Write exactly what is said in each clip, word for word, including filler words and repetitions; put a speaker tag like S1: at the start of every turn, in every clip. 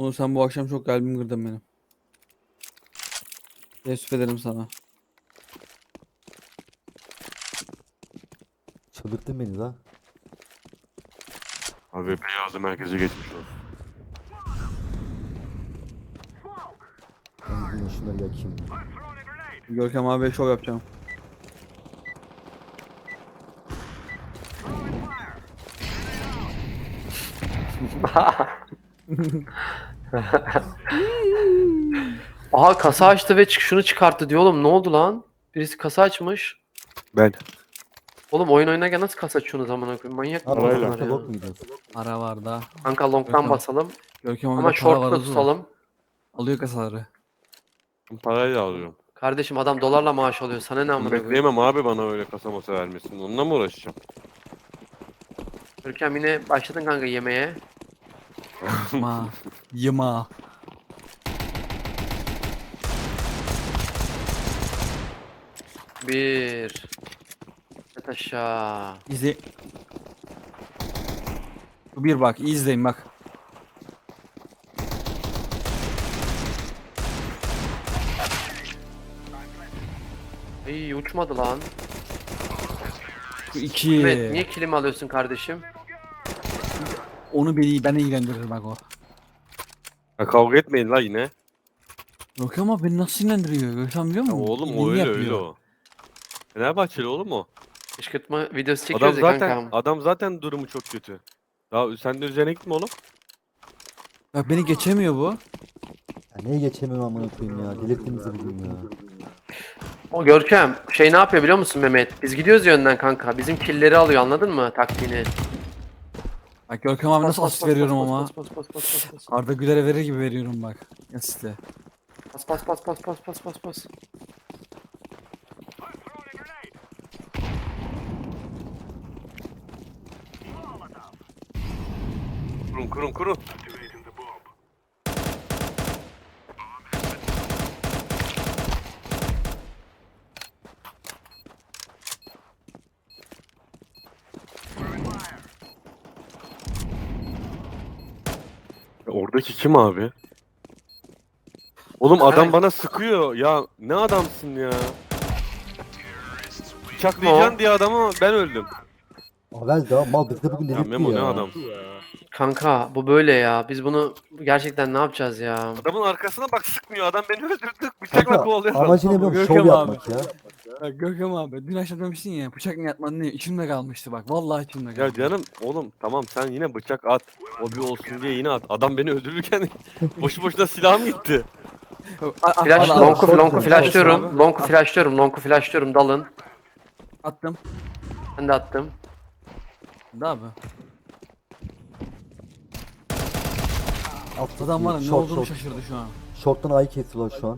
S1: Onu sen bu akşam çok kalbimi kırdın benim. Teessüf ederim sana.
S2: Çıldırttın beni la.
S3: Abi beyazı merkeze geçmiş olsun.
S2: Ben yine şunları yakayım.
S1: Görkem abi şov yapacağım.
S4: Aha kasa açtı ve çık şunu çıkarttı diyor oğlum, ne oldu lan? Birisi kasa açmış.
S3: Ben.
S4: Oğlum oyun oynarken nasıl kasa açıyorsunuz amına koyayım? Manyak mı
S2: Abi
S3: Parayla.
S4: bunlar
S2: başka
S4: ya?
S2: bok mu gidiyorsun?
S1: Para var da.
S4: Kanka long'dan
S1: Görkem-
S4: basalım
S1: Görkem abi
S4: ama
S1: de para var
S4: short'ta
S1: hızı var.
S4: tutalım.
S1: Alıyor kasaları.
S3: Parayla alıyorum.
S4: Kardeşim adam dolarla maaş alıyor. Sana ne amına koyayım?
S3: Bekleyemem abi bana öyle kasa masa vermesin. Onunla mı uğraşacağım?
S4: Görkem yine başladın kanka yemeğe.
S1: Ma. Yıma.
S4: Bir. Yat aşağı.
S1: İzle. Bu bir bak. iyi izleyin bak.
S4: İyi uçmadı lan.
S1: Bu iki.
S4: Evet, niye kilim alıyorsun kardeşim?
S1: Onu beni beni ilgilendirir bak o.
S3: Ya kavga etmeyin la yine.
S1: Görkem abi beni nasıl ilgilendiriyor? Görkem biliyor
S3: Ya
S1: musun?
S3: oğlum
S1: İyiliğini
S3: o öyle
S1: yapıyor.
S3: öyle o. Fenerbahçeli oğlum o.
S4: Kışkırtma videosu
S3: Adam
S4: çekiyoruz ya
S3: zaten
S4: kankam.
S3: adam zaten durumu çok kötü. Daha sen de üzerine gitme oğlum.
S1: Bak beni geçemiyor bu.
S2: Ya neye geçemiyorum amına koyayım ya. Delirttiniz bugün ya.
S4: O Görkem şey ne yapıyor biliyor musun Mehmet? Biz gidiyoruz ya önden kanka. Bizim killleri alıyor, anladın mı taktiğini?
S1: Bak Görkem abi nasıl
S4: Bas,
S1: asist
S4: bas,
S1: veriyorum
S4: bas,
S1: ama.
S4: bas, bas, bas, bas, bas, bas.
S1: Arda Güler'e verir gibi veriyorum bak. Asiste.
S4: Bas bas bas bas bas bas bas bas.
S3: Kurun kurun kurun. Ya oradaki kim abi? Oğlum adam
S4: Ha.
S3: bana sıkıyor. Ya ne adamsın ya. Bıçaklayacaksın diye adamı ben öldüm.
S2: Avel daha mal bizi de bugün
S3: Ya
S2: delirtti
S3: Memo
S2: ya.
S3: ne adam.
S4: Kanka bu böyle ya. Biz bunu gerçekten ne yapacağız ya?
S3: Adamın arkasına bak sıkmıyor. Adam beni öldürdü. Bıçakla
S2: Kanka
S3: kovalıyor.
S2: amacı ne biliyor musun? Şov
S1: Görkem abi.
S2: yapmak ya.
S1: Bak Görkem abi dün akşam demiştin ya bıçak mı yatmadın ne içimde kalmıştı bak vallahi içimde kaldı.
S3: Ya canım oğlum tamam sen yine bıçak at. O bir olsun diye yine at. Adam beni öldürürken boşu boşuna silahım gitti.
S1: A- a-
S4: Flash,
S1: al- al-
S4: long'u
S2: short
S4: long'u
S2: dön,
S4: flashlıyorum.
S1: abi.
S4: Long'u flashlıyorum. Long'u flashlıyorum. Dalın.
S1: Attım.
S4: Ben de attım.
S1: Ne abi?
S2: Alt
S1: Adam var ya ne
S2: short,
S1: olduğunu
S2: short.
S1: şaşırdı şu an.
S2: Short'tan ayı kesiyorlar şu an.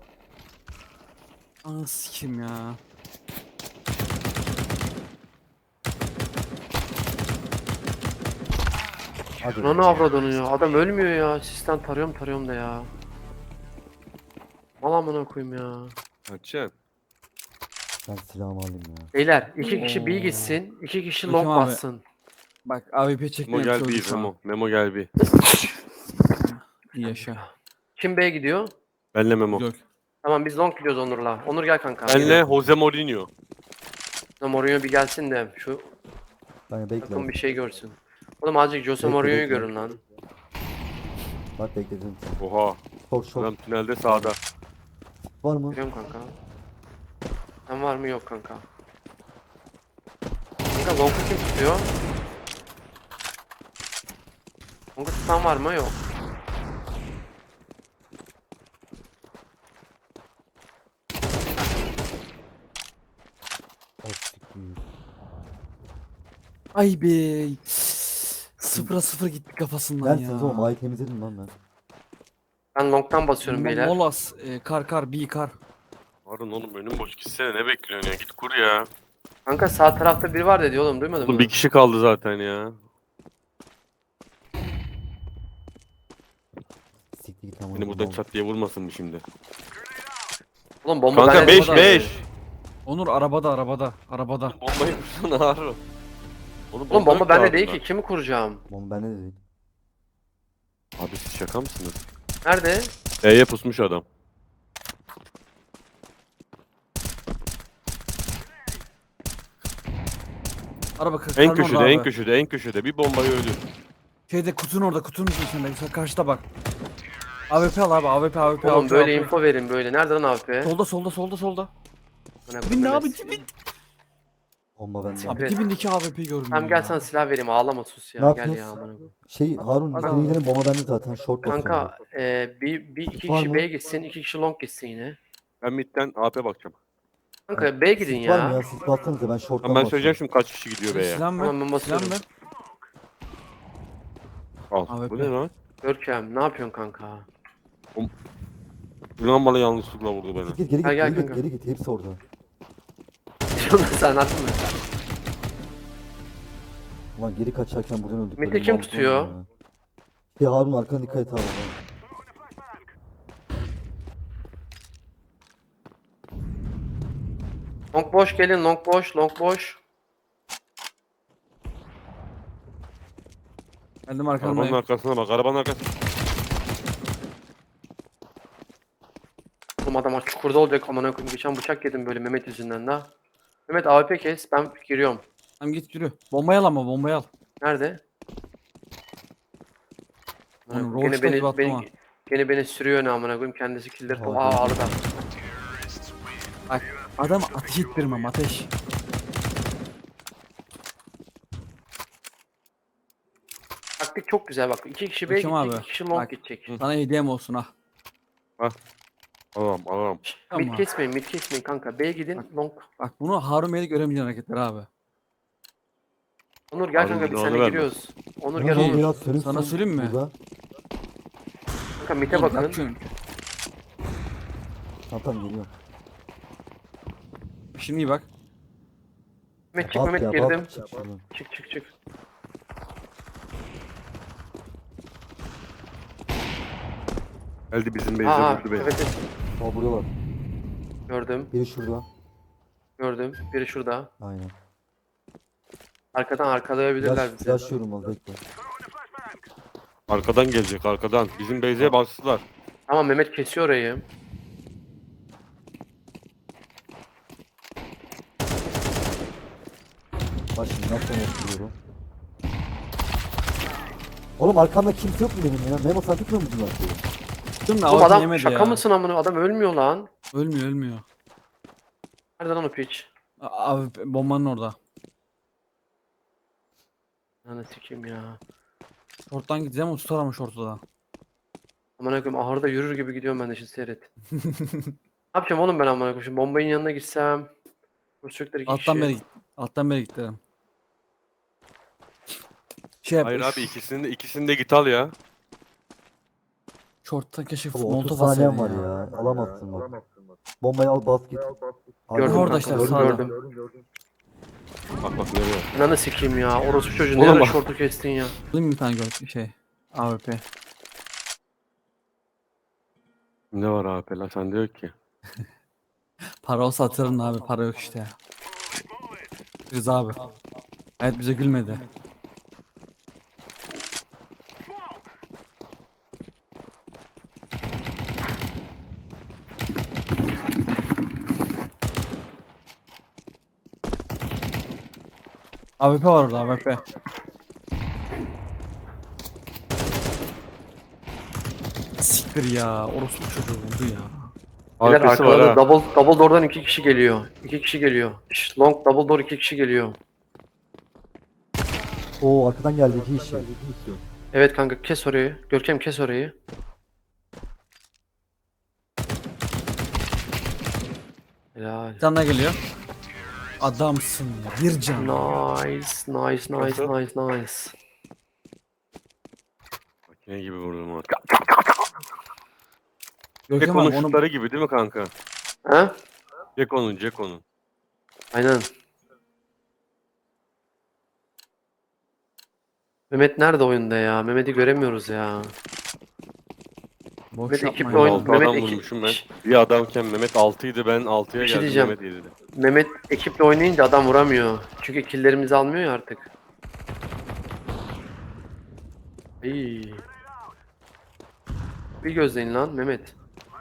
S1: Anı sikim ya.
S2: Hadi.
S4: Lan ne avradını ya? Adam ölmüyor ya. Sistem tarıyorum tarıyorum da ya. Mal amına koyayım ya.
S3: Açın.
S2: Ben silahımı alayım ya.
S4: Beyler iki kişi B
S1: Oo.
S4: gitsin. iki kişi
S1: Görkem
S4: long
S1: abi.
S4: bassın.
S1: Bak A W P
S3: Memo
S1: çekmeyi
S3: gel
S1: çözdü
S3: bir
S1: şu an.
S3: Memo. Memo gel bir.
S1: İyi yaşa.
S4: Kim B gidiyor?
S3: Benle Memo.
S1: Gök.
S4: Tamam biz long gidiyoruz Onur'la. Onur gel kanka.
S3: Benle Jose Mourinho.
S4: Mourinho bir gelsin de şu
S2: Ben
S4: takım
S2: bekle.
S4: bir şey görsün. Oğlum azıcık Jose
S2: Bekle,
S4: Mourinho'yu
S2: bekle.
S4: görün lan.
S2: Bak bekledim.
S3: Oha.
S2: Short short.
S3: Adam tünelde sağda.
S2: Var mı?
S4: Görüyorum kanka. Sen var mı? Yok kanka. Kanka long'u kim tutuyor? Long'u tutan var mı? Yok.
S2: Of, siktir.
S1: Ay be. Sıfıra sıfır gitti kafasından
S2: Ben
S1: ya.
S2: siz oğlum ayı temizledim lan ben.
S4: Ben long'tan basıyorum
S1: Mo-
S4: beyler.
S1: Molas, e, kar kar, bir kar.
S3: Harun oğlum önüm boş gitsene ne bekliyorsun ya git kur ya.
S4: Kanka sağ tarafta biri var dedi oğlum, duymadın
S3: Oğlum
S4: mı?
S3: bir kişi kaldı zaten ya.
S2: Siktir git amına
S3: Beni burada
S2: koyayım.
S3: çat diye vurmasın mı şimdi?
S4: Oğlum bomba
S3: Kanka
S4: bende
S3: beş
S4: değil.
S3: beş.
S1: Onur arabada arabada arabada.
S3: Bombayı vursana Harun.
S4: Oğlum bomba
S3: yok
S4: bende
S3: ki
S4: değil
S3: ağzında.
S4: ki. Kimi kuracağım?
S2: Oğlum bende de değil.
S3: Abi siz şaka mısınız?
S4: Nerede?
S3: E'ye pusmuş adam.
S1: Araba kır.
S3: En
S1: karın
S3: köşede,
S1: orada
S3: en
S1: abi.
S3: köşede, en köşede. Bir bombayı öldür.
S1: Şeyde kutunun orada kutunun içinde. Mesela karşıda bak. A W P al abi A W P A W P.
S4: Oğlum
S1: A W P,
S4: böyle
S1: A W P.
S4: info verin böyle. Nerede lan A W P?
S1: Solda solda solda solda.
S4: Bana
S1: Dibinde
S4: Mehmet-
S1: abi dibinde.
S2: Bomba bende.
S1: Abi
S4: Evet.
S1: dibindeki A W P'yi gördüm
S4: Tamam
S1: ya.
S4: gel sana silah vereyim ağlama sus
S2: Ne
S4: ya gel
S2: yapıyoruz?
S4: ya amına koyayım.
S2: Şey Harun
S1: Hadi
S2: senin
S1: abi.
S2: gidelim bomba bende zaten. Short basıyorum.
S4: Kanka e, bir, bir iki
S2: Var
S4: kişi
S2: mı?
S4: B'ye gitsin iki kişi long gitsin yine.
S3: Ben midden A P bakacağım.
S4: Kanka B'ye gidin
S2: Sis var mı
S4: ya.
S2: ya? Siz bassanıza ben short'tan
S3: Tamam ben söyleyeceğim
S2: basıyorum.
S3: şimdi kaç kişi gidiyor B'ye.
S1: Silah mı?
S4: Tamam, ben
S1: Silah
S4: basıyorum.
S1: mı?
S3: Al.
S1: A W P.
S3: Bu ne lan?
S4: Görkem ne yapıyorsun kanka?
S3: Yunan bana yanlışlıkla vurdu beni.
S2: Git geri git
S4: Ha, gel
S2: geri git
S4: kanka.
S2: geri git hepsi orada.
S4: Sen attın mı?
S2: Ulan geri kaçarken buradan öldük.
S4: Mete
S2: böyle
S4: kim
S2: mal
S4: tutuyor?
S2: ya. Ya Harun arkana dikkat et abi.
S4: Long boş gelin long boş long boş.
S1: Geldim
S3: Arabanın
S1: arkamdayım.
S3: arkasına bak. Arabanın arkasına.
S4: Oğlum adam çukurda olacak amına koyayım. Geçen bıçak yedim böyle Mehmet yüzünden daha. Mehmet A W P kes ben giriyorum.
S1: Tamam git yürü. Bombayı al ama bombayı al.
S4: Nerede?
S1: Oğlum,
S4: Gene
S1: Roach'ta
S4: beni,
S1: gibi attım ha.
S4: beni, gene beni sürüyor ne amına koyayım kendisi killer.
S2: Abi.
S4: Aa aldı.
S1: Bak adam ateş ettirmem ateş.
S4: Taktik çok güzel bak. İki kişi B'ye
S1: Bakayım
S4: gidecek,
S1: abi.
S4: iki kişi long
S1: Bak.
S4: gidecek.
S1: Sana hediyem olsun ha.
S3: Alalım alalım.
S1: Tamam.
S4: Mid kesmeyin, mid kesmeyin kanka. B'ye gidin, long.
S1: Bak bunu Harun Bey'de göremeyeceğin hareketler abi.
S4: Onur gel
S3: Abi,
S4: kanka biz
S3: onu
S4: seninle
S3: verme.
S4: giriyoruz. Onur
S2: Ya
S4: gel
S2: bombayı
S4: Onur.
S2: at, sönüksün
S1: Sana söyleyeyim mi?
S2: burada.
S4: Kanka mid'e
S1: Oğlum,
S4: bakın.
S1: bakıyorum.
S2: Tamam tamam geliyorum.
S1: Şimdi iyi bak.
S4: Mehmet çık
S2: Bak
S4: Mehmet
S2: ya
S4: girdim.
S2: bak. Çık şuradan.
S4: Çık çık çık.
S3: Geldi bizim base'e
S4: Aa
S3: vurdu beni.
S4: evet, evet.
S2: Aa buradalar.
S4: Gördüm.
S2: Biri şurada.
S4: Gördüm. Biri şurada.
S2: Aynen.
S4: Arkadan arkalayabilirler
S2: Flash,
S4: bizi.
S2: flashlıyorum az bekle.
S3: Arkadan gelecek arkadan. Bizim base'e bastılar.
S4: Tamam Mehmet kesiyor orayı.
S2: Bak şimdi nasıl oturuyorum. Oğlum arkamda kimse yok mu benim ya? Memo sen tutmuyor musun lan şeyi?
S1: Dur da
S4: Oğlum
S1: adam
S4: adam
S1: yemedi
S4: şaka
S1: ya.
S4: mısın amına? Adam ölmüyor lan.
S1: Ölmüyor ölmüyor.
S4: Nerede lan o piç?
S1: A- Abi bombanın orada.
S4: Lan sikeyim ya.
S1: Short'tan gideceğim o tutar ama short'ta da.
S4: Amına koyayım ahırda yürür gibi gidiyorum ben de şimdi seyret. Ne yapacağım oğlum ben amına koyayım? Şimdi bombayın yanına gitsem. Bu çocuklar iki
S1: Alttan
S4: kişi.
S1: beri git. Alttan beri git derim. Şey yap.
S3: Hayır abi ikisini de, ikisini de git al ya.
S1: Short'ta keşke
S2: Baba otuz
S1: molotof
S2: saniyen
S1: atsaydın
S2: var
S1: ya.
S2: ya. Alamazsın bak. Bombayı al bas git. Hadi.
S4: Gördüm
S1: Orada
S4: kanka,
S1: işte,
S4: gördüm,
S1: sağda.
S4: gördüm.
S3: Bak bak nereye.
S4: Ananı sikeyim ya. Orospu çocuğu
S3: Oğlum
S4: ne ara
S3: bak.
S4: şortu kestin ya.
S1: Alayım bir tane gör şey. A W P.
S3: Ne var abi lan sende yok ki.
S1: Para olsa atarım da abi para yok işte ya. Rıza abi. Evet bize gülmedi. A W P var orada A W P. Siktir ya. Orospu çocuğu vurdu ya.
S4: Beyler
S3: Arkası var
S4: arkada
S3: ha.
S4: double, double door'dan iki kişi geliyor. İki kişi geliyor. Şş, long double door iki kişi geliyor.
S2: Oo arkadan geldi iki kişi.
S4: Evet kanka kes orayı. Görkem kes orayı. Helal.
S1: Bir tane daha geliyor. Adamsın ya. Bir can.
S4: Nice, nice, nice,
S3: Nasıl?
S4: nice, nice.
S3: Makine gibi vurdum onu.
S1: Görkem
S3: Ceko'nun
S1: abi onu
S3: şutları gibi değil mi kanka?
S4: Ha?
S3: Ceko'nun Ceko'nun.
S4: Aynen. Mehmet nerede oyunda ya? Mehmet'i göremiyoruz ya.
S1: boş
S4: Mehmet
S1: yapma
S4: ekiple
S1: ya.
S4: oyun-
S3: Altı
S4: Mehmet
S3: adam
S4: iki-
S3: vurmuşum ben. Bir adamken Mehmet altıydı ben altıya
S4: Bir şey
S3: geldim
S4: diyeceğim.
S3: Mehmet yedi.
S4: Mehmet ekiple oynayınca adam vuramıyor. Çünkü killlerimizi almıyor ya artık. İyi. Kapıyı gözleyin lan Mehmet.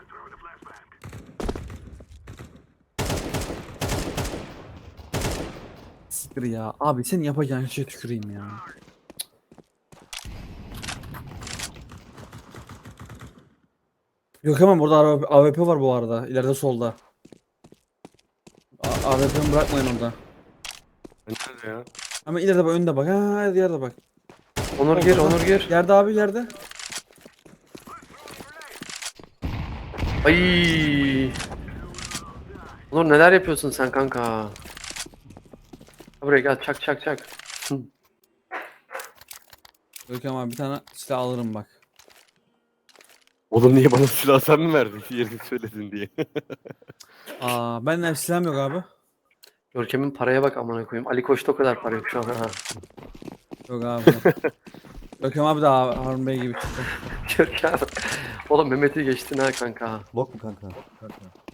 S1: Siktir ya. Abi senin yapacağın şeye tüküreyim ya. Yok hemen burada A W P var bu arada. İleride solda. A- AWP'mi bırakmayın orada.
S3: Nerede ya?
S1: Ama ileride bak, önde bak. Ha, yerde bak.
S4: Onur gir, Onur gir.
S1: Yerde abi, yerde.
S4: Ay. Onur neler yapıyorsun sen kanka? Buraya gel, çak çak çak. Hı.
S1: Görkem abi bir tane silah alırım bak.
S3: Oğlum niye bana silah sen mi verdin? Yerini söyledin diye.
S1: Aa, benden silahım yok abi.
S4: Görkem'in paraya bak amına koyayım. Ali Koç'ta o kadar para yok şu an. Ha.
S1: Yok abi. Görkem abi de Harun Bey gibi çıktı.
S4: Görkem. Oğlum Mehmet'i geçtin ha kanka.
S2: Bok mu kanka? Kanka.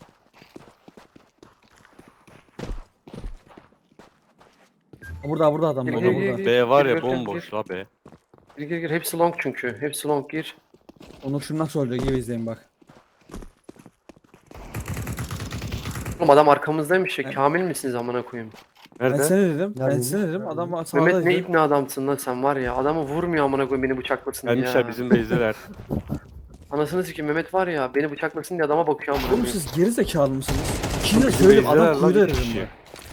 S1: Burada burada adam
S4: Gir,
S1: burada
S4: gir, gir,
S1: burada.
S4: gir.
S3: B var ya
S4: Görkem,
S3: bomboş
S4: gir.
S3: la be.
S4: Gir gir gir. Hepsi long çünkü. Hepsi long gir.
S1: Onur şimdi nasıl olacak gibi izleyin bak.
S4: Oğlum adam arkamızdaymış ya.
S1: Evet.
S4: Kamil misiniz amına koyayım?
S1: Ben
S3: Nerede?
S1: seni dedim. Ben
S2: Neredeydi?
S1: seni dedim. Adam
S4: Mehmet
S1: sağdaydı.
S4: ne ibne adamsın lan sen var ya. Adamı vurmuyor amına koyayım beni bıçaklasın diye.
S3: Gelmişler
S4: ya.
S3: bizim base'deler.
S4: Anasını sikeyim Mehmet var ya beni bıçaklasın diye adama bakıyor amına
S1: Oğlum
S4: koyayım.
S1: siz geri zekalı mısınız? Şimdi
S3: Bizim
S1: söyleyeyim
S3: base'deler
S1: adam
S3: lan,
S1: kuyruğu
S3: bir
S1: dedim
S3: kişi.
S1: bak.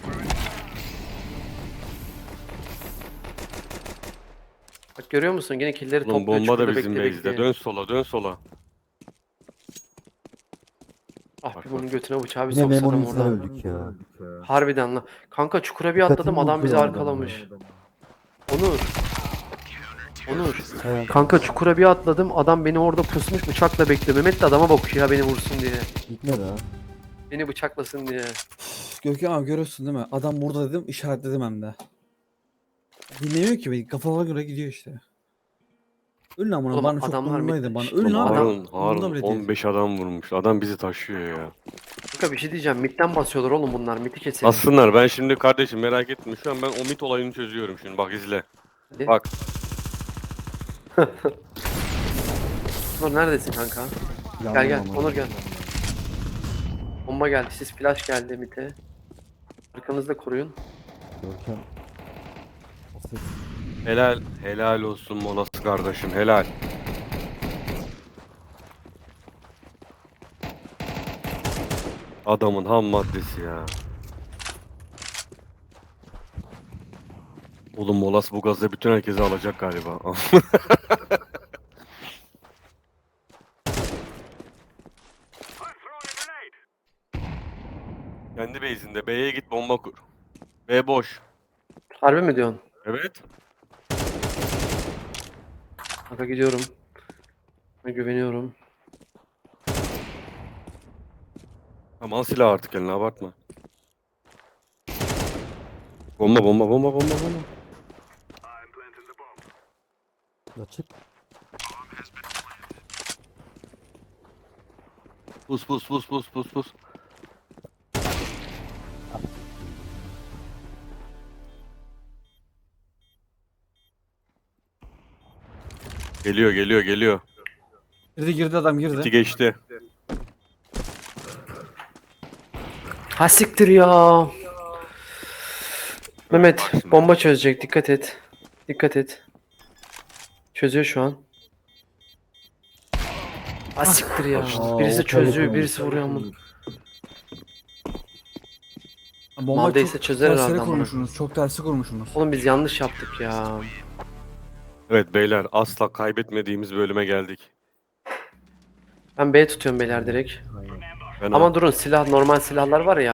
S4: Bak görüyor musun? Gene killleri
S3: Oğlum
S4: topluyor.
S3: bomba da
S4: çukurda
S3: bizim
S4: bekle,
S3: base'de.
S4: bekle.
S3: Dön sola dön sola.
S4: Ah
S3: Bak,
S4: bir bunun götüne bıçağı bir
S2: Yine
S4: soksadım
S2: Memo'nun yüzünden
S4: oradan.
S2: öldük ya.
S4: Harbiden lan. Kanka çukura bir
S2: Dikkatimi
S4: atladım adam bizi
S2: bozuyor adam
S4: arkalamış.
S2: ya.
S4: Onur. Onur.
S2: Evet.
S4: Kanka çukura bir atladım adam beni orada pusmuş bıçakla bekliyor. Mehmet de adama bakıyor ya beni vursun diye.
S2: Gitmedi ha.
S4: Beni bıçaklasın diye.
S1: Görkem abi görüyorsun değil mi? Adam burada dedim, işaretledim hem de. Dinlemiyor ki beni. Kafalara göre gidiyor işte. Ölün amına,
S4: Oğlum
S1: bana çok
S4: adamlar
S1: umurumdaydı
S4: bitmiş.
S1: bana. Ölün
S3: Oğlum
S1: abi.
S3: Harun,
S1: Umurumda
S3: Harun
S1: bile değil.
S3: on beş adam vurmuş. Adam bizi taşıyor ya.
S4: Kanka bir şey diyeceğim. Midden basıyorlar oğlum bunlar. Midi keselim.
S3: Aslında ben şimdi kardeşim merak etme. Şu an ben o mit olayını çözüyorum şimdi. Bak izle.
S4: Hadi.
S3: Bak.
S4: Onur neredesin kanka? Gel
S2: Yandım
S4: gel.
S2: ama.
S4: Onur gel. Bomba geldi. Siz flash geldi mite. Arkanızda koruyun.
S2: Görkem. O ses.
S3: Helal. Helal olsun Molas kardeşim. Helal. Adamın ham maddesi ya. Oğlum Molas bu gazla bütün herkesi alacak galiba. Kendi base'inde. B'ye git bomba kur. B boş.
S4: Harbi mi diyorsun?
S3: Evet.
S4: Kanka gidiyorum. Ben güveniyorum.
S3: Tamam al silah artık eline abartma. Bomba bomba bomba bomba bomba.
S2: Açık.
S3: Pus pus pus pus pus pus. Geliyor geliyor geliyor.
S1: Girdi girdi adam girdi.
S3: İki geçti.
S4: Ha siktir ya. Mehmet
S3: Bak şimdi.
S4: bomba çözecek. Dikkat et. Dikkat et. Çözüyor şu an. Ha siktir ya.
S2: Aa,
S4: Birisi
S2: o
S4: çözüyor,
S2: telefon.
S4: birisi vuruyor ama.
S1: Bomba
S4: Neredeyse
S1: çok
S4: çözer
S1: tersine
S4: herhalde amına.
S1: kurmuşsunuz. Çok tersi kurmuşsunuz.
S4: Oğlum biz yanlış yaptık ya.
S3: Evet beyler asla kaybetmediğimiz bölüme geldik.
S4: Ben B tutuyorum beyler direkt.
S2: Aynen.
S3: Ben
S4: Ama durun silah normal silahlar var ya.